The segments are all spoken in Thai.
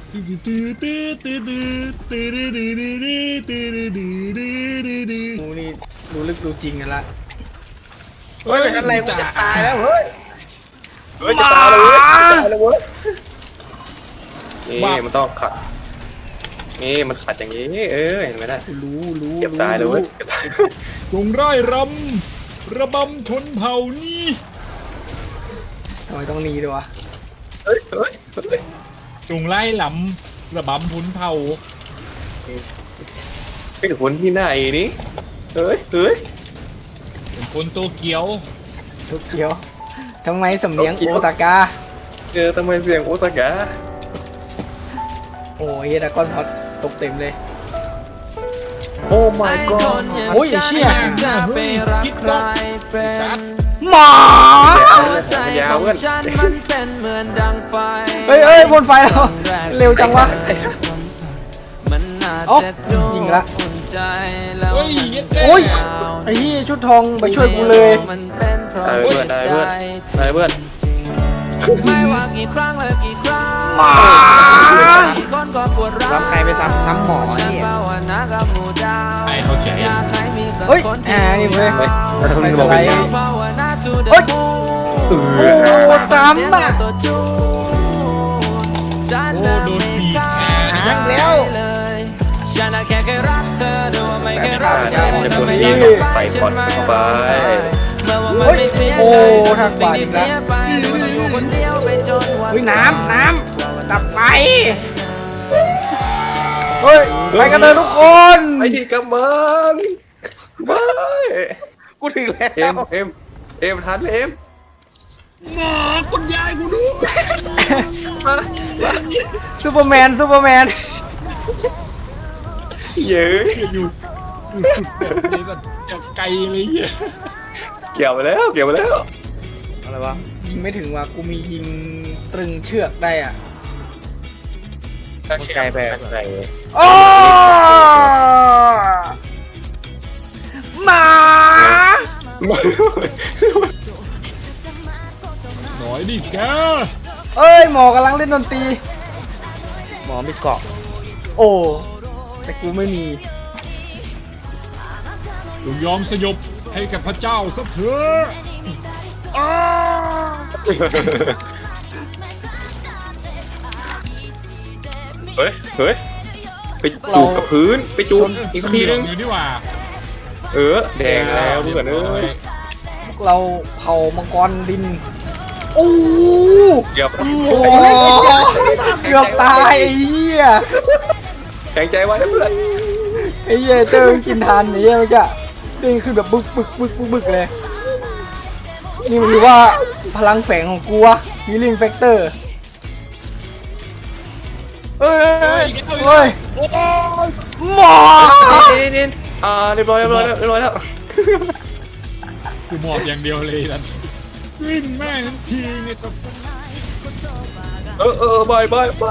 กูนี่รู้ลึกรู้จริงกันละเฮ้ยอะไรกูจะตายแล้วเฮ้ยเฮ้ยจะตายเลยเว้ยจะตายเลยเว้ยนี่มันต้องขัดนี่มันขัดอย่างนี้เห็นไหมนะรู้เก็บตายเลยเว้ยเก็บตายจงร่ายรำระบำชนเผ่านี้ทำไมต้องหนีด้วยวะเฮ้ยจงไล่ลำระบำชนเผ่าเป็นคนที่ไหนนี่เฮ้ยเป็นคนโตเกียวทุกเดียวทำไมสำเนียงโอซาก้าทำไมเสียงโอซากะโอ้ยดราก้อนพอดตกเต็มเลยโอ้ my god โอ้ยเชี่ยคิดว่าไอ้สัตว์หมายาวเพื่อนเฮ้ยบนไฟเราเร็วจังวะโอ้ยิงละเฮ้ยเย็ดเด้โอ้ยไอ้ที่ชุดทองไปช่วยกูเลยได้เพื่อนได้เพื่อนไม่ว่ากี่ครั้งและกี่ครั้งหมาคนก็ปวดร้าวซ้ำใครไปซ้ำหมอเนี่ยไอ้เขาใจเฮ้ยนี่เว้ยเฮ้ยแล้วทำไมไปสบอกไลเป็นด์ยังเฮ้ยโอ้ซ้ำอ่ะโอ้โดนบีบแขนหางแล้วฉันแค่เคยรักเธอดูไม่เคยรักจะพูดที่ใส่พอดเข้าไปเฮ้ยโอ้ทางฝ่ายอีกแล้ว เฮ้ยน้ำดับไฟเฮ้ยไปกันเลยทุกคนไอ้ที่กำมันไม่กูถึงแล้วเอ็มทันเอ็มหมอคุณยายกูดูซูเปอร์แมนเย้ยอยู่สุดแบบนี้ก่อนอย่าไกลเลยเหี้ยเกี่ยวไปแล้วอะไรวะยิงไม่ถึงว่ะกูมียิงตรึงเชือกได้อ่ะมันไกลไปโอ้หมาหน่อยดิแกเอ้ยหมอกำลังเล่นดนตรีหมอมีเกาะโอ้แต่กูไม่มีจงยอมสยบให้กับพระเจ้าซะเถอะอ้าเฮ้ยไปจูบกับพื้นไปจูบอีกทีนึงอยู่นี่หว่าแดงแล้วเพื่อนเอ้ยพวกเราเผามังกรดินโอ้เกือบโหเกือบตายไอ้เหี้ยแข็งใจไว้นะเพื่อนไอ้เหี้ยเจอกินทานนี่เมื่อกี้เด้งขึ้นแบบบึกเลย นี่มันรู้ว่าพลังแฝงของกูวะฮีลิ่งแฟกเตอร์เฮ้ยหมอนี่เรียบร้อยแล้วกูหมอบอย่างเดียวเลยนั่นวิ่งแม่งทันทีเนี่ยจะบาย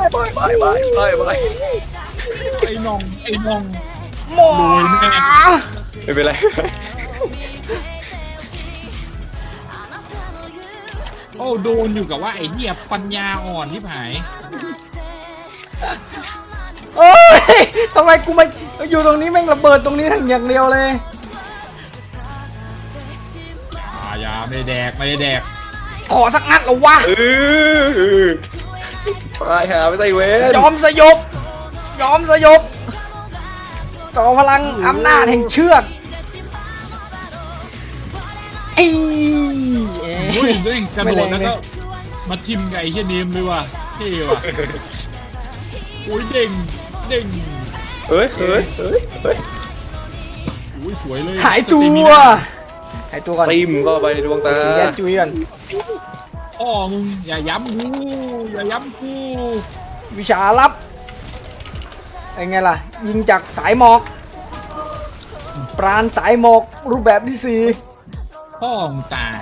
ไอ้น้องหมอรวยแม่ไม่เป็นไรโอ้โดนอยู่กับว่าไอ้เหี้ยปัญญาอ่อนที่ผายเอ้ยทำไมกูมาอยู่ตรงนี้แม่งระเบิดตรงนี้ทั้งอย่างเดียวเลยยาไม่ได้แดกขอสักนัดเหรอวะตายหาไม่ได้เว้นยอมสยบต่อพลังอำนาจแห่งเชือกเอ้ยโอ้ยเร่งกระโดดแล้วก็มาทิมกับไอ้เหี้ยเนมเลยว่ะเท่ว่ะโอ้ยเด้งเฮ้ยโอ้ยสวยเลยหายตัวก่อนติมก็ไปดวงตาจุยกันจุยกันพ่อมึงอย่าย้ำกูวิชาลับเป็นไงล่ะ ยิงจากสายหมอกปราณสายหมอกรูปแบบที่พ่อมึงตาย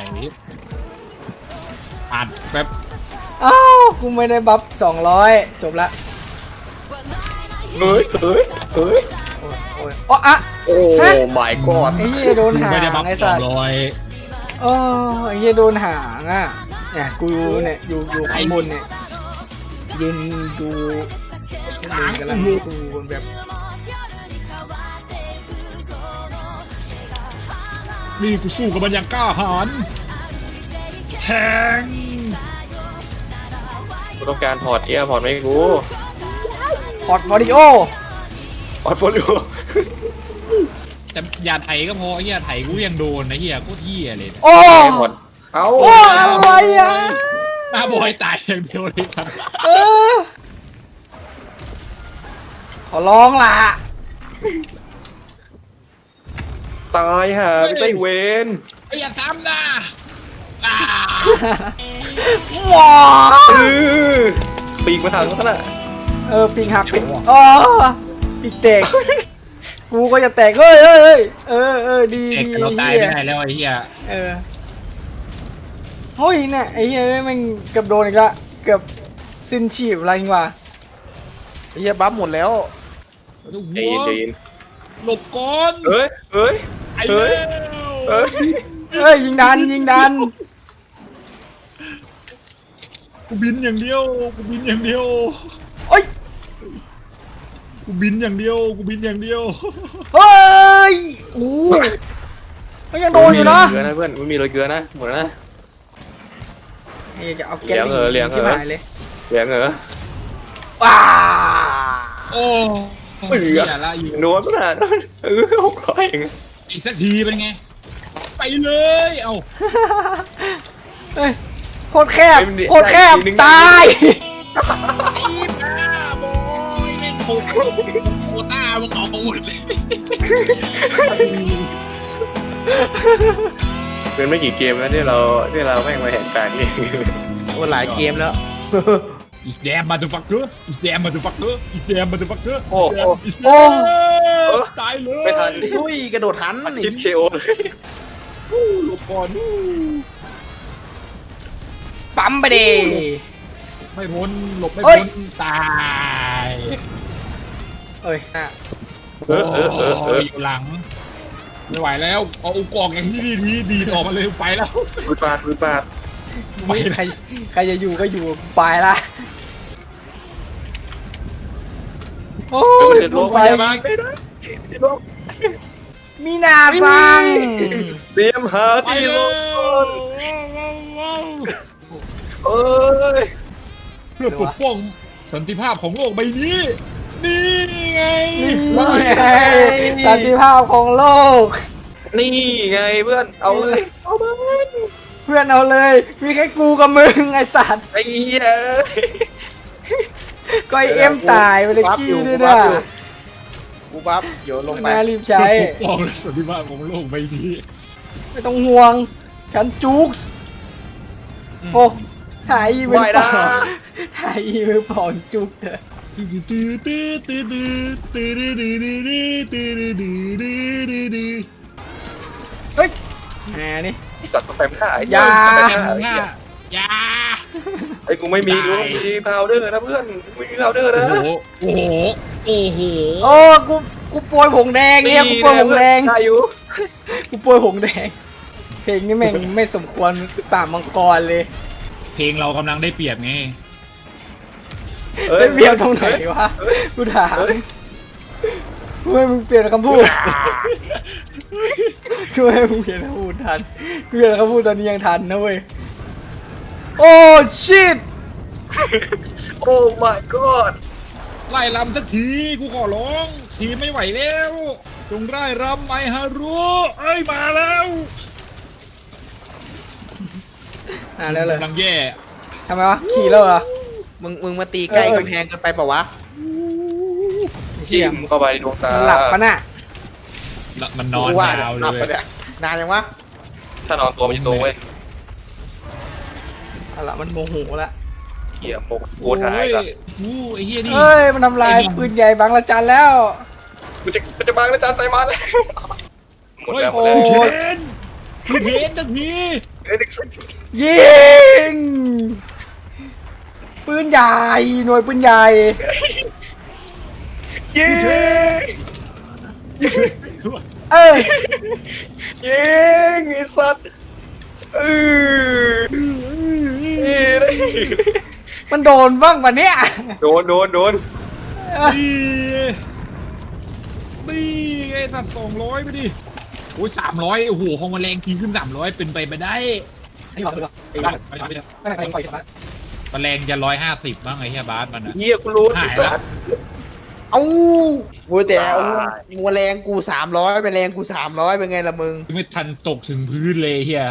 อัดแบบ 4อ้าวกูไม่ได้บัฟ200จบละเฮ้ยโอ้ยอ๋ออะโอ้ my god ไอ้เหี้ยโดนหางไม่ได้บัฟไอ้สัตว์ 200 โอ้ไอ้เหี้ยโดนหางอ่ะเนี่ยกูเนี่ยอยู่ข้างบนเนี่ยยืนดูคนอื่นกำลังสู้กันแบบนี่กูสู้กับมันอย่างกล้าหาญแทงกูต้องการพอร์ตพอร์ตไม่กูพอร์ตโฟลิโอพอร์ตโฟลิโอแต่อย่าไถก็พอไอ้เหี้ยไถกูยังโดนนะเหี้ยโคตรเหี้ยเลยโอ้พอร์ตเอ้าโอ้อะไรอ่ะหน้าบอยตายอย่างเดียวเลยครับเออขอร้องล่ะตายห่าไม่ได้เวนไอ้อย่าซ้ำนะอ่าว้าปีกมาทางนั้นน่ะปีกหักปีกอ๋อปีกแตกกูก็จะแตกเฮ้ยเฮ้ยเฮ้ยดีเด็กดีเราตายเฮีไม่ยได้แล้วไอ้เหี้ยเฮ้ยเนี่ยไอ้เฮ้ยแม่งเกือบโดนอีกละเกือบสิ้นชีพอะไรจริงวะไอ้เหี้ยบัฟหมดแล้วใจเย็นใจเย็นหลบก่อนเฮ้ยเฮ้ยไอ้เฮ้เฮ้ยยเฮ้ยเฮ้ยยิงดันยิงดันกูบินอย่างเดียวกูบินอย่างเดียวโอ้ยกูบินอย่างเดียวกูบินอย่างเดียวเฮ้ยโอ้ก็ยังโดนอยู่นะเกลือนะเพื่อนไม่มีเลยเกลือนะหมดแล้วนะไอ้จะเอาแก๊สเลี้ยงเหรอชิบหายเลยเสียงเหรอว้าโอ้เบื่เหี้อยละอยู่นวลขนาดนั้น600เองอีกสักทีเป็นไง ไปเลยเอาเฮ้ยโคตรแคบโคตรแคบตายไอ้บ้าบอยแม่งโคตรโคต้ามึงเอาหมดเลยเป็นไม่กี่เกมแล้วที่เราแม่งมาแหกกลางนี่โอ้หลายเกมแล้วอีสแดมมาดูฟักเกอร์อีสแดมมาดูฟักเกอร์อีสแดมมาดูฟักเกอร์โอ้โหอีสแดมตายเลยไม่ทันอุ้ยกระโดดทันชิปเคโอเลยหลบก่อนปั๊มไปดิไม่พ้นหลบไม่เฮ้พ้ยนตายเอ้ยน่ะอยู่หลังไม่ไหวแล้วเอาอุกอกอย่างนี้ดีออกมาเลยไปแล้วปืนปาดใครจะอยู่ก็อยู่ไปละโอ้เปิยดโลดูกไฟพยาบาลไม่ได้โลกมีนาซังเตรียมหาไปที่เลโลกยเอ้ยเพื่อปกป้องสันติภาพของโลกใบนี้ นี่ไงนี่ไงสันติภาพของโลกนี่ไงเพื่อนเอาเลยเอามาเพื่อนเอาเลย มีแค่กูกับมึงไอสัตว์ไอ้เหี้ยก็ไอเอ็มตายไปเลยกี้ด้วยนะกูบัฟเดี๋ยวลงไปน่ารีบใช้เพื่อปกป้องสันติภาพของโลกใบนี้ไม่ต้องห่วง ฉันจุกส์โอ้ถ่ายอีเวนต์ปองถ่ายอีเวนต์ปองจุกเถอะเฮ้ยแหมนี่ไอ้สัตว์ต้องไปไม่ได้อย่าอย่าไอ้กูไม่มีพาวเดอร์นะเพื่อนไม่มีพาวเดอร์นะโอ้โหโอ้โหโอ้กูโปรยผงแดงเนี่ยกูโปรยผงแดงได้อยู่กูโปรยผงแดง เพลงนี้แม่งไม่สมควรป่ามังกรเลยเพลงเรากำลังได้เปรียบไงไม่เบียวตรงไหนวะ กูถามกูให้มึงเปลี่ยนคำพูดกูให้มึงเปลี่ยนคำพูดทันกูเปลี่ยนคำพูดตอนนี้ยังทันนะเว้ย โอ้ชิตโอ้ my god ไล่ลำสักทีกูขอร้องทีไม่ไหวแล้วจงไล่รำไมฮารุเอ้ยมาแล้วแล้วเลยกำลังแย่ทำไมวะ ขี่แล้วเหรอมึงมาตีใกล้กำแพงกันไปเปล่าวะเชี่จิ้ยมเข้าไปในดวงตามันหลับปะน่ะมันนอนกูว่ายาวเลหลับยไปเนี่ยนานยังวะถ้านอนตัวมันจะโตเว้ยเอาละมันโมโหละเขี่ยโมกโกโอ้ทายยละกูไอ้เหี้ยนี่เฮ้ย มันทำลายปืนใหญ่บางละจันแล้วมันจะบังแล้วจานใส่มาแล้วหมดเฮ้ยแล้วหมโอ้ดแล้วเทนกูเทนสักทียิง ปืนใหญ่ หน่วยปืนใหญ่ยิงเอ้ยยิงไอ้สัตว์นี่ได้มันโดนบ้างปะเนี่ยโดนนี่นี่ไงสัตว์200ไปดิโอ้ย300โอ้โหของมันแรงขึ้น300เป็นไปไม่ได้ไอ้หลอดเลยไอ้หลอดไม่ไหนปล่อยมามันแรงจะ150บ้างไอ้เหี้ยบาสมันนะเฮียกูรู้หายละเอ้าโว้ยแต่เอามัวแรงกู300ไปแรงกู300เป็นไงล่ะมึงไม่ทันตกถึงพื้นเลยเฮีย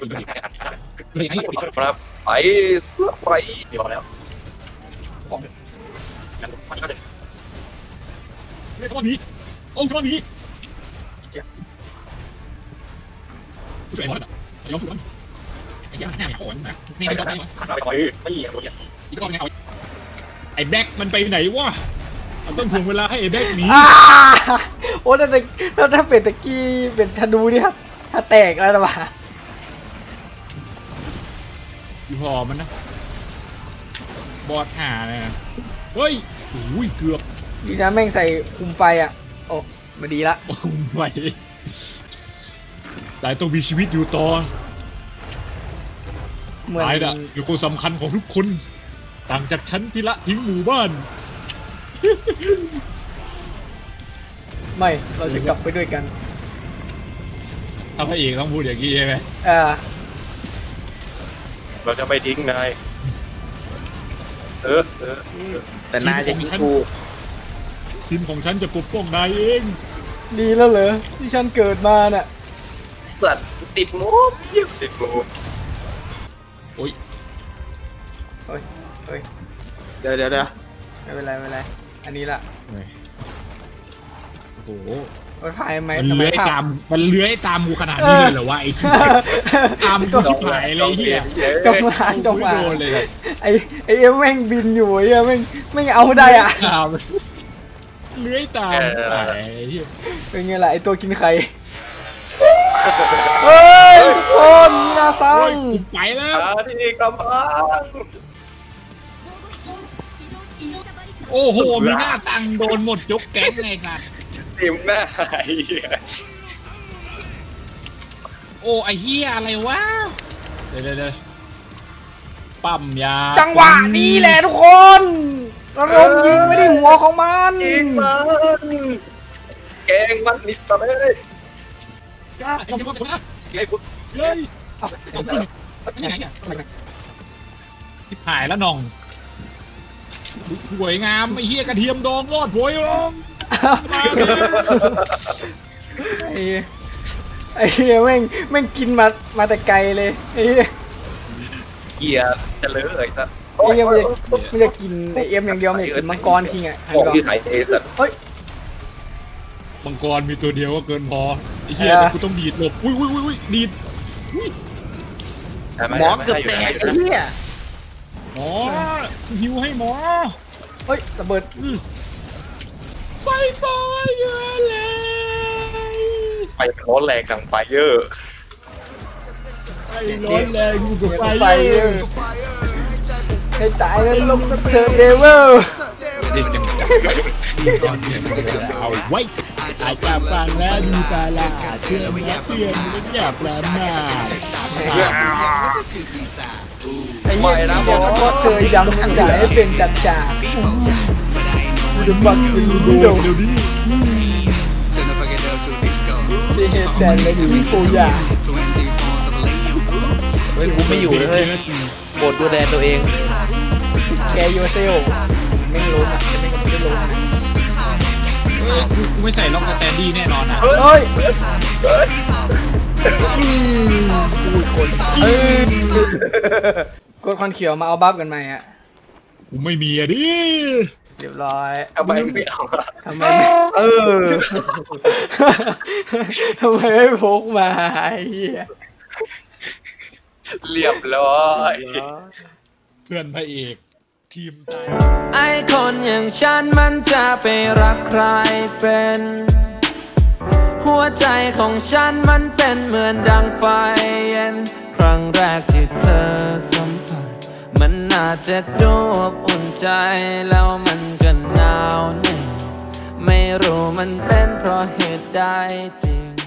ครับไปเสื้อไปเดี๋ยวแล้วไม่ต้องหนีโอ้ยต้องหนีช่วยมันอ่ะยอมช่วยมันไอ้ยังหน้าอ่อนนะนี่ไม่ได้ไหมไปไม่เหยียบเลยอีกรอบไงเอาไอ้แบ็คมันไปไหนวะมันต้องถ่วงเวลาให้ไอ้แบ็คหนีโอ้ถ้าเป็นตะกี้เป็นธนูนี่ครับถ้าแตกแล้วนะวะอยู่หอมันนะบอดหาเลยนะเฮ้ยโอ้ยเกือบดีนะแม่งใส่คุมไฟอ่ะโอ้มาดีละโอ้ไม่แต่ต้องมีชีวิตอยู่ต่อเหมือนนายน่ะคือคนสำคัญของทุกคน ต่างจากฉันที่ละทิ้งหมู่บ้านไม่เราจะกลับไปด้วยกันถ้าพระเอกต้องพูดอย่างนี้ใช่ไหมเราจะไม่ทิ้งนายเออแต่นายจะยิงกูทีมของฉันจะปกป้องนายเองดีแล้วเหรอที่ฉันเกิดมาน่ะสัตว์ติดมูฟเยี่ยมติดมูฟโอ้ยเฮ้ยเฮ้ยเดี๋ยวไม่เป็นไรไม่เป็นไรอันนี้ละโอ้โหรถไฟไหมมันเลื้อยตามมันเลื้อยตามกูขนาดนี้เลยเหรอวะไอ้ชิบตามกูชิบหายเลยเฮียจงมาจงมาโดนเลยครับไอ้เอ็มแม่งบินอยู่ไอ้เอ็มแม่งเอาได้อ่ะตามเลื้อยตามไอ้เฮียเป็นไงล่ะไอ้ตัวกินไข่เฮ้ยทุกคนมีนาซัโอ้งยกูไปแล้วที่กำลังโอ้โหมีหน้าตังโดนหมดยกแก๊งไงครับติมหน้าไอ้โอ้ไอ้เฮียอะไรวะเดี๋ยวปั๊มยาจังหวะนี้แหละทุกคนระดมยิงไม่ได้หัวของมันยิงมันแกงมันนิสต์เลยไอ้เหี้ยนะไอ้กูเฮ้ยเอาที่ไหนเนี่ยที่ถ่ายแล้วน้องสวยงามไอ้เฮียกระเทียมดองรอดโวยร้องมาเลยไอ้เหี้ยแม่งกินมาแต่ไกลเลยไอ้เหี้ยเกียร์จะเลอะไอ้สัสไอ้เหี้ยมันจะกินไอ้เอ็มอย่างเดียวมันจะกินมังกรคิงอ่ะของที่ไหนไอ้สัสเฮ้ยมังกรมีตัวเดียวก็เกินพอไอ้เหี้ยแต่กูต้องดีดหลบอุ้ยดีดหมอเกือบแตกไอ้เหี้ยหมอหิวให้หมอเฮ้ยระเบิดไฟฟ้าเยอะเลยไฟร้อนแรงดังไฟเยอะไฟร้อนแรงอยู่กับไฟไฟเยอะให้ตายแล้วลงสเตอร์เดเวลเอาไว้อาจจะฟังแล้วดูตาลาเชื่อมและเพื่อนไม่อยากประมาทไอ้เหี้ยนะบอกว่าเธอยังจ่ายให้เป็นจัดจ่ากูจะบักคือดูดูเดี๋ยวนี้ที่เห็นแต่เลยดูโกยาเฮ้ยกูไม่อยู่เลยโปรดดูแลตัวเองแกโยเซลไม่รู้นะไม่รู้นะกูไม่ใส่ล็อกสแตนดี้แน่นอนนะเฮ้ยกดคอนเขียวมาเอาบัฟกันไหมอ่ะกูไม่มีอะดิเรียบร้อยทำไมไม่เอาทำไมไม่ ทำไมไม่พกมาไอ้เหี้ยเรียบร้อยเพื่อนพระเอกทีมตายไอ้คนอย่างฉันมันจะไปรักใครเป็น หัวใจของฉันมันเป็นเหมือนดังไฟเย็น ครั้งแรกที่เธอสัมผัสมันน่าจะดูอบอุ่นใจแล้วมันก็หนาวแน่ไม่รู้มันเป็นเพราะเหตุใดจริง